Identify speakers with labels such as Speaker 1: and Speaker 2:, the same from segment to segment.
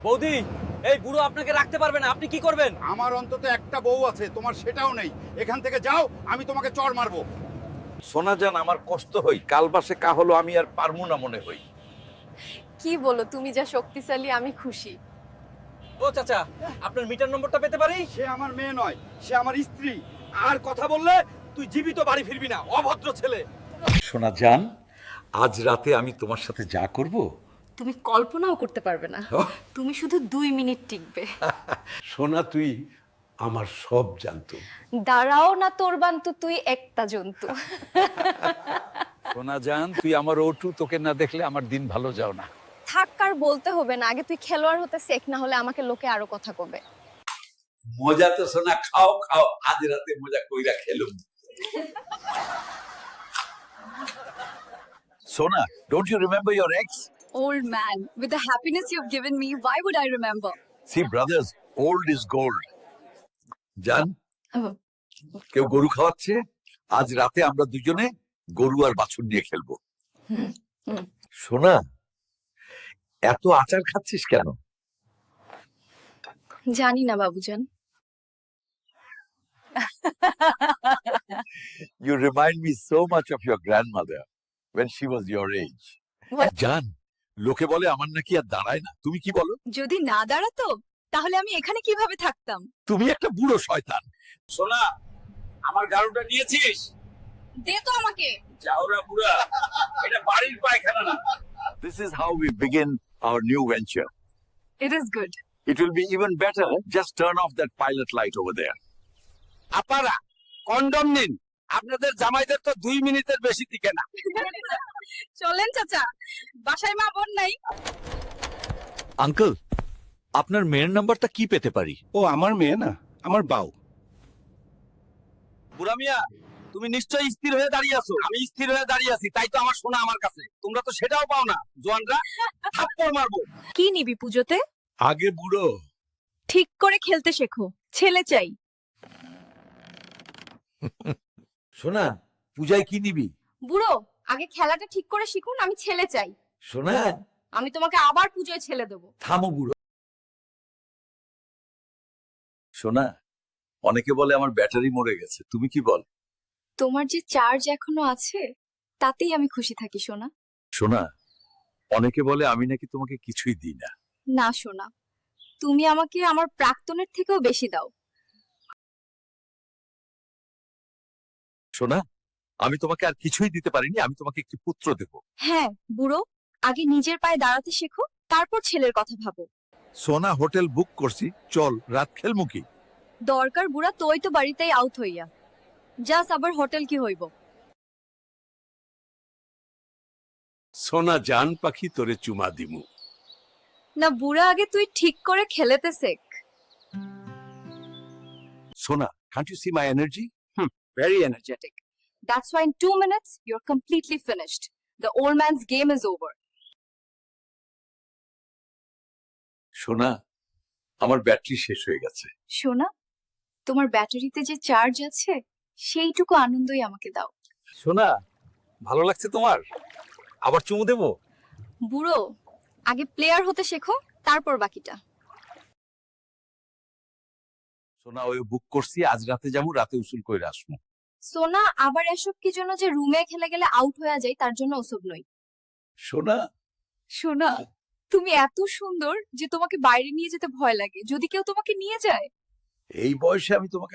Speaker 1: বৌদি, এই বুড়ো আপনাকে রাখতে পারবে না, আপনি কি করবেন?
Speaker 2: আমার অন্তত একটা বউ আছে, তোমার সেটাও নেই। এখান থেকে যাও, আমি তোমাকে চড় মারবো।
Speaker 3: সোনা জান, আমার কষ্ট হই, কাল বাসে কা হলো আমি আর পারমু না মনে হই।
Speaker 4: কি বলো, তুমি যা শক্তিশালী আমি খুশি।
Speaker 1: ও চাচা, আপনার মিটার নম্বরটা পেতে পারি?
Speaker 2: সে আমার মেয়ে নয়, সে আমার স্ত্রী। আর কথা বললে তুই জীবিত বাড়ি ফিরবি না, অভদ্র ছেলে।
Speaker 3: সোনা জান, আজ রাতে আমি তোমার সাথে যা করব,
Speaker 4: তুমি কল্পনাও করতে পারবে না। তুমি শুধু 2 মিনিট টিকবে।
Speaker 5: সোনা তুই আমার সব জানতো।
Speaker 4: দাঁড়াও না তোর বান্তু, তুই একটা জন্তু।
Speaker 3: সোনা জান তুই আমার ওটু, তোকে না দেখলে আমার দিন ভালো যাও না।
Speaker 4: থাক, আর বলতে হবে না, আগে তুই খেলোয়াড় হতে শেখ, না হলে আমাকে লোকে আরো কথা কবে।
Speaker 3: মজা তো সোনা, খাও খাও, আজ রাতে মজা কইরা খেলুম। সোনা, don't you remember your ex?
Speaker 6: Old man, with the happiness you've given me, why would I remember?
Speaker 3: See brothers, old is gold. জান,
Speaker 4: Oh.
Speaker 3: কেউ গরু খাওয়াচ্ছে, আজ রাতে আমরা দুজনে গরু আর বাছুর নিয়ে খেলবো। সোনা, এত আচার খাচ্ছিস কেন?
Speaker 4: জানি না বাবুজান।
Speaker 3: You remind me so much of your grandmother when she was your age.
Speaker 4: What?
Speaker 3: জান, লোকে বলে আমার নাকি আর দাঁড়ায় না, তুমি কি বলো?
Speaker 6: যদি না দাঁড়াতো তাহলে আমি এখানে কিভাবে থাকতাম?
Speaker 3: তুমি একটা বুড়ো শয়তান। সোনা, আমার গাড়ুটা নিয়েছিস?
Speaker 6: দে তো আমাকে।
Speaker 3: যাওরা বুড়া, এটা বাড়ির পায়খানা না। This is how we begin our new venture.
Speaker 6: It is good.
Speaker 3: It will be even better. Just turn off that pilot light over there.
Speaker 1: আপনারা কন্ডম নিন, আপনাদের জামাইদের তো 2 মিনিটের বেশি টিকে না।
Speaker 6: চলেন চাচা, বাসায় মা বোন নাই।
Speaker 3: আঙ্কেল, আপনার মেয়ের নাম্বারটা কি পেতে পারি?
Speaker 5: ও আমার মেয়ে না, আমার বাউ।
Speaker 1: বুড়া মিয়া, তুমি নিশ্চয়ই স্থির হয়ে দাঁড়িয়ে আছো। আমি স্থির হয়ে দাঁড়িয়ে আছি, তাই তো আমার সোনা আমার কাছে। তোমরা তো সেটাও পাও না। জোয়ানরা, থাপ্পড় মারবো।
Speaker 6: কি নিবি পুজোতে?
Speaker 3: আগে বুড়ো।
Speaker 6: ঠিক করে খেলতে শেখো, ছেলে চাই।
Speaker 3: সোনা, পূজায় কি নিবি?
Speaker 4: বুড়ো, আগে খেলাটা ঠিক করে শিখুন, আমি ছেলে চাই।
Speaker 3: সোনা,
Speaker 4: আমি তোমাকে আবার পুজোয় ছেলে দেবো।
Speaker 3: থামো বুড়ো। সোনা, অনেকে বলে আমার ব্যাটারি মরে গেছে, তুমি কি বল?
Speaker 4: তোমার যে চার্জ এখনো আছে, তাতেই আমি খুশি থাকি সোনা।
Speaker 3: সোনা, অনেকে বলে আমি নাকি তোমাকে কিছুই দিই না।
Speaker 4: না সোনা, তুমি আমাকে আমার প্রাক্তনের থেকেও বেশি দাও।
Speaker 3: সোনা, আমি তোমাকে আর কিছুই দিতে পারিনি, আমি তোমাকে একটি পুত্র দেব।
Speaker 4: হ্যাঁ বুড়ো, আগে নিজের পায়ে দাঁড়াতে শেখো, তারপর ছেলের কথা ভাবো।
Speaker 3: সোনা, হোটেল বুক করছি, চল রাত খেলমু কি?
Speaker 4: দরকার বুড়া তোই তো বাড়িতেই আউট হইয়া যাস, আবার হোটেল কি হইব?
Speaker 5: সোনা জান পাখি তোরে চুমা দিমু।
Speaker 4: না বুড়া, আগে তুই ঠিক করে খেলেতে শেখ।
Speaker 3: সোনা, can't you see my energy?
Speaker 1: Very energetic.
Speaker 4: That's why in 2 minutes you're completely finished. The old man's game is over.
Speaker 3: সোনা, আমার ব্যাটারি শেষ হয়ে গেছে।
Speaker 4: সোনা, তোমার ব্যাটারিতে যে চার্জ আছে সেইটুকু আনন্দই আমাকে দাও।
Speaker 1: সোনা, ভালো লাগছে তোমার? আবার চুমু দেবো?
Speaker 4: বুড়ো, আগে প্লেয়ার হতে শেখো, তারপর বাকিটা।
Speaker 3: সোনা, ওই বুক করছি, আজ রাতে যাবো, রাতে উসুল কইরা আসবো।
Speaker 4: সোনা, আবার এসব কি জন্য যে রুমে খেলে গেলে আউট হয়ে যায় তার জন্য ওসব নই।
Speaker 3: সোনা,
Speaker 4: সোনা, তুমি এত সুন্দর যে তোমাকে বাইরে নিয়ে যেতে ভয় লাগে, যদি কেউ তোমাকে নিয়ে যায়।
Speaker 3: এই বয়সে আমি তোমাকে।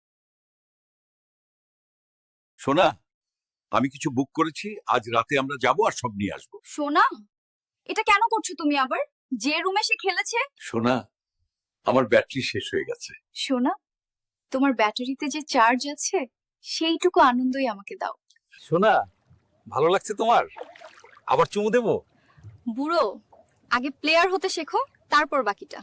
Speaker 3: সোনা, আমি কিছু বুক করেছি, আজ রাতে আমরা যাব আর সব নিয়ে আসবো।
Speaker 4: সোনা, এটা কেন করছো তুমি আবার? যে রুমে সে খেলেছে।
Speaker 3: সোনা, আমার ব্যাটারি শেষ হয়ে গেছে।
Speaker 4: সোনা, তোমার ব্যাটারিতে যে চার্জ আছে সেইটুকু আনন্দই আমাকে দাও।
Speaker 1: সোনা, ভালো লাগছে তোমার? আবার চুমু দেবো?
Speaker 4: বুড়ো, আগে প্লেয়ার হতে শেখো, তারপর বাকিটা।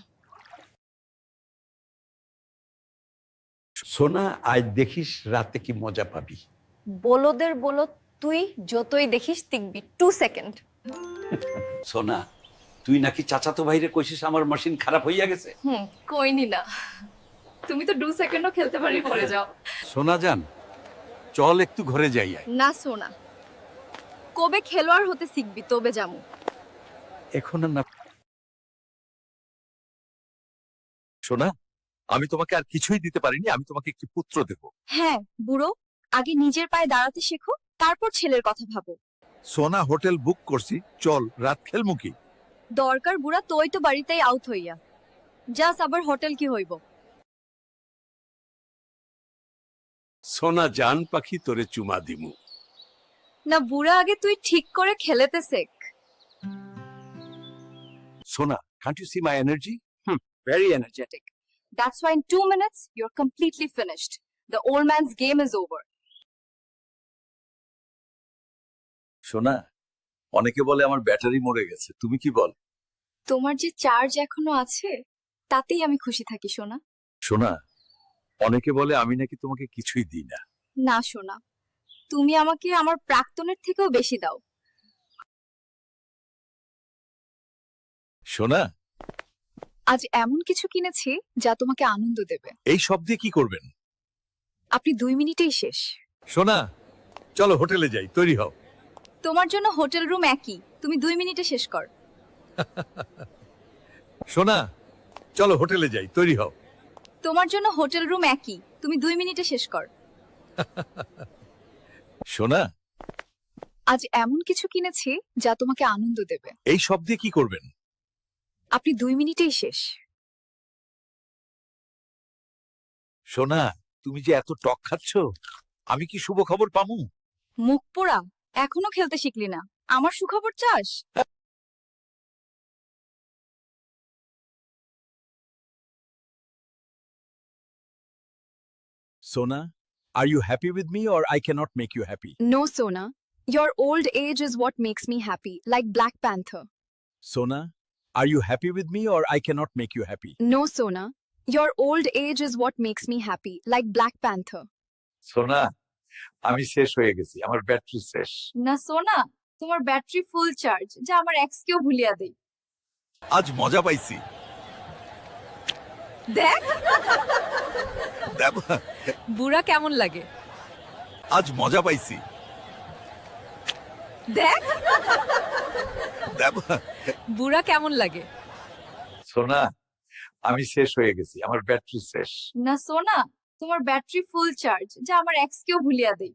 Speaker 5: সোনা, আজ দেখিস রাতে কি মজা পাবি।
Speaker 4: বলদের বলদ তুই, যতই দেখিস টিকবি 2 সেকেন্ড।
Speaker 5: সোনা, তুই নাকি চাচাতো ভাইরে কইছিস আমার মেশিন খারাপ হইয়া গেছে।
Speaker 4: কইনি না, তুমি তো 2 সেকেন্ডও খেলতে পারি পড়ে যাও।
Speaker 5: সোনা জান, চল একটু ঘরে যাই।
Speaker 4: না সোনা, কবে খেলোয়াড় হতে শিখবি তবে যামু।
Speaker 5: এখন আর না।
Speaker 3: সোনা, আমি তোমাকে আর কিছুই দিতে পারিনি, আমি তোমাকে একটি পুত্র দেব।
Speaker 4: হ্যাঁ বুড়ো, আগে নিজের পায়ে দাঁড়াতে শেখো, তারপর ছেলের কথা ভাবো।
Speaker 3: সোনা, হোটেল বুক করছি, চল রাত খেলমু কি?
Speaker 4: দরকার বুড়া তোই তো বাড়িতেই আউট হইয়া যাস, আবার হোটেল কি হইব?
Speaker 5: সোনা জান পাখি তোরে চুমা দিমু।
Speaker 4: না বুড়া, আগে তুই ঠিক করে খেলেতে শেখ।
Speaker 5: সোনা, can't you see my energy?
Speaker 1: Very energetic.
Speaker 4: That's why in 2 minutes you're completely finished. The old man's game is over.
Speaker 3: সোনা, অনেকে বলে আমার ব্যাটারি মরে গেছে, তুমি কি বল?
Speaker 4: তোমার যে চার্জ এখনো আছে তাতেই আমি খুশি থাকি সোনা।
Speaker 3: সোনা, অনেকে বলে আমি নাকি তোমাকে কিছুই দিই না।
Speaker 4: না সোনা, তুমি আমাকে আমার প্রাক্তনের থেকেও বেশি দাও।
Speaker 3: সোনা,
Speaker 4: আজ এমন কিছু কিনেছি যা তোমাকে আনন্দ দেবে।
Speaker 3: এই সব দিয়ে কি করবেন?
Speaker 4: আপনি 2 মিনিটেই শেষ।
Speaker 3: সোনা, চলো হোটেলে যাই, তৈরি হও।
Speaker 4: তোমার জন্য হোটেল রুম একই, তুমি 2 মিনিটে শেষ কর।
Speaker 3: সোনা, চলো হোটেলে যাই, তৈরি হও।
Speaker 4: তোমার জন্য হোটেল রুম একই, তুমি 2 মিনিটে শেষ কর।
Speaker 3: সোনা,
Speaker 4: আজ এমন কিছু কিনেছি যা তোমাকে আনন্দ দেবে।
Speaker 3: এই সব দিয়ে কি করবেন?
Speaker 4: আপনি 2 মিনিটেই শেষ।
Speaker 3: সোনা, তুমি যে এত টক খাচ্ছ, আমি কি শুভ খবর পামু?
Speaker 4: মুখ পোড়া, এখনো খেলতে শিখলি না, আমার সুখবর চাস?
Speaker 5: Sona, are you happy with me or I cannot make you happy?
Speaker 4: No, Sona. Your old age is what makes me happy, like Black Panther.
Speaker 5: Sona, are you happy with me or I cannot make you happy?
Speaker 4: No, Sona. Your old age is what makes me happy, like Black Panther.
Speaker 3: সোনা, আমি শেষ হয়ে গেছি, আমার battery শেষ।
Speaker 4: না সোনা, তোমার ব্যাটারি ফুল চার্জ, যা আমার এক্সকেও ভুলিয়া দেই।
Speaker 3: আজ মজা পাইছি।
Speaker 4: দেখ
Speaker 3: দেব,
Speaker 4: বুড়া কেমন লাগে।
Speaker 3: আজ মজা পাইছি।
Speaker 4: দেখ
Speaker 3: দেব,
Speaker 4: বুড়া কেমন লাগে।
Speaker 3: সোনা, আমি শেষ হয়ে গেছি, আমার ব্যাটারি শেষ।
Speaker 4: না সোনা, তোমার ব্যাটারি ফুল চার্জ, যা আমার এক্সকেও ভুলিয়া দেই।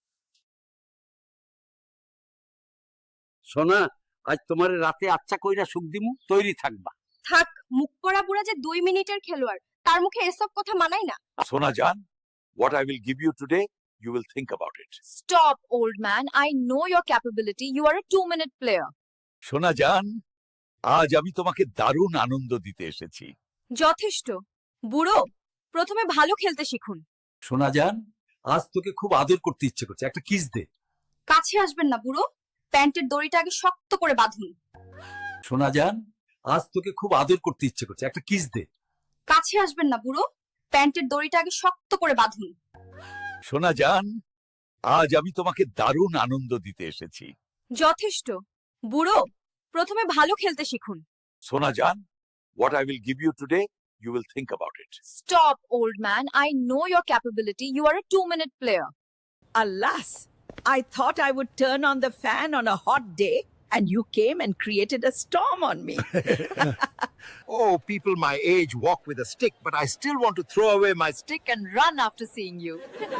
Speaker 5: সোনা, আজ তোমার রাতে আচ্ছা কইরা সুখ দিমু, তৈরি থাকবা।
Speaker 4: থাক, মুখ পড়া বুড়া যে 2 মিনিটের খেলোয়াড়, তার মুখে এসব কথা মানায় না।
Speaker 3: সোনা জান, what I will give you today, you will think about it.
Speaker 4: Stop, old man. I know your capability. You are a 2-minute player.
Speaker 3: সোনা জান, আজ আমি তোমাকে দারুণ আনন্দ দিতে এসেছি।
Speaker 4: যথেষ্ট। বুড়ো, প্রথমে ভালো খেলতে শিখুন।
Speaker 5: সোনা জান, আজ তোকে খুব আদর করতে ইচ্ছে করছে, একটা কিস দে।
Speaker 4: কাছে আসবেন না বুড়ো, প্যান্টের দড়িটা আগে শক্ত করে বাঁধুন।
Speaker 5: সোনা জান, আজ তোকে খুব আদর করতে ইচ্ছে করছে, একটা কিস দে।
Speaker 4: কাছে আসবেন না বুড়ো, প্যান্টের দড়িটা আগে শক্ত করে বাঁধুন।
Speaker 3: সোনা জান, আজ আমি তোমাকে দারুণ আনন্দ দিতে এসেছি।
Speaker 4: যথেষ্ট। বুড়ো, প্রথমে ভালো খেলতে শিখুন।
Speaker 3: সোনা জান, what I will give you today, you will think about it.
Speaker 4: Stop, old man. I know your capability. You are a 2-minute player.
Speaker 7: Alas, I thought I would turn on the fan on a hot day, and you came and created a storm on me.
Speaker 8: Oh, people my age walk with a stick, but I still want to throw away my stick.
Speaker 4: And run after seeing you.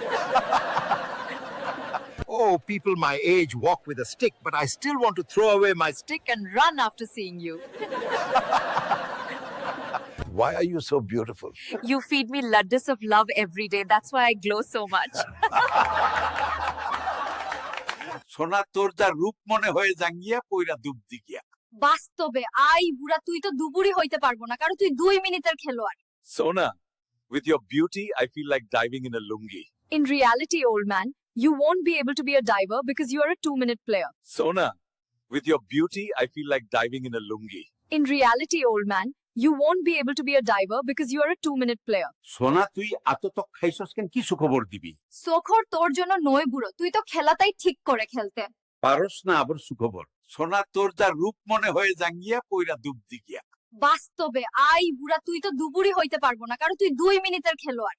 Speaker 8: Oh, people my age walk with a stick, but I still want to throw away my stick.
Speaker 4: And run after seeing you.
Speaker 8: Why are you so beautiful?
Speaker 4: You feed me laddus of love every day. That's why I glow so much.
Speaker 3: সোনা, তোর যা রূপ মনে হয়ে জাঙ্গিয়া পইরা ডুব দিগিয়া।
Speaker 4: বাস্তবে I বুড়া, তুই তো দুপুরি হইতে পারবো না, কারণ তুই 2 মিনিটের খেলোয়াড়।
Speaker 3: সোনা, with your beauty, I feel like diving in a lungi.
Speaker 4: In reality, old man, you won't be able to be a diver because you are a 2-minute player.
Speaker 3: Sona, with your beauty, I feel like diving in a lungi.
Speaker 4: In reality, old man, you won't be able to be a diver because you are a 2-minute player.
Speaker 5: সোনা, তুই এত তক খাইছস কেন? কি সুখবর দিবি?
Speaker 4: সোখর তোর জন্য নয় বুড়ো, তুই তো খেলাটাই ঠিক করে খেলতে
Speaker 5: পারস না আবার সুখবর।
Speaker 3: সোনা, তোর যা রূপ মনে হয়ে জাঙ্গিয়া পইরা ডুব দিগিয়া।
Speaker 4: বাস্তবে আই বুড়া, তুই তো দুপুরি হইতে পারবো না, কারণ তুই 2 মিনিটের খেলোয়াড়।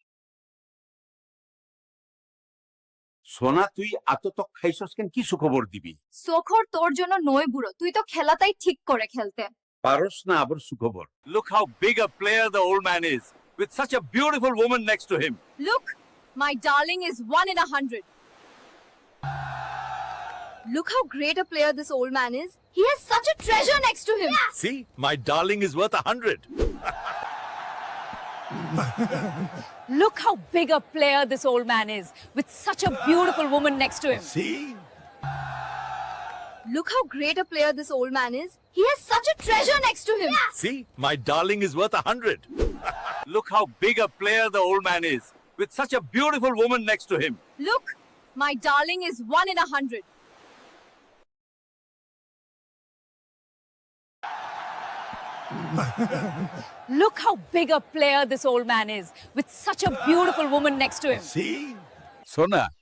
Speaker 5: সোনা, তুই এত তক খাইছস কেন? কি সুখবর দিবি?
Speaker 4: সোখর তোর জন্য নয় বুড়ো, তুই তো খেলাটাই ঠিক করে খেলতে
Speaker 5: পারস না আবার সুখবর।
Speaker 1: Look how big a player the old man is, with such a beautiful woman next to him.
Speaker 6: Look, my darling is 1 in 100. Look how great a player this old man is. He has such a treasure next to him.
Speaker 8: See, my darling is worth 100.
Speaker 6: Look how big a player this old man is, with such a beautiful woman next to him.
Speaker 8: See?
Speaker 6: Look how great a player this old man is. He has such a treasure next to him.
Speaker 8: See, my darling is worth 100.
Speaker 1: Look how big a player the old man is, with such a beautiful woman next to him.
Speaker 6: Look, my darling is 1 in 100. Look how big a player this old man is, with such a beautiful woman next to him.
Speaker 8: See?
Speaker 5: সোনা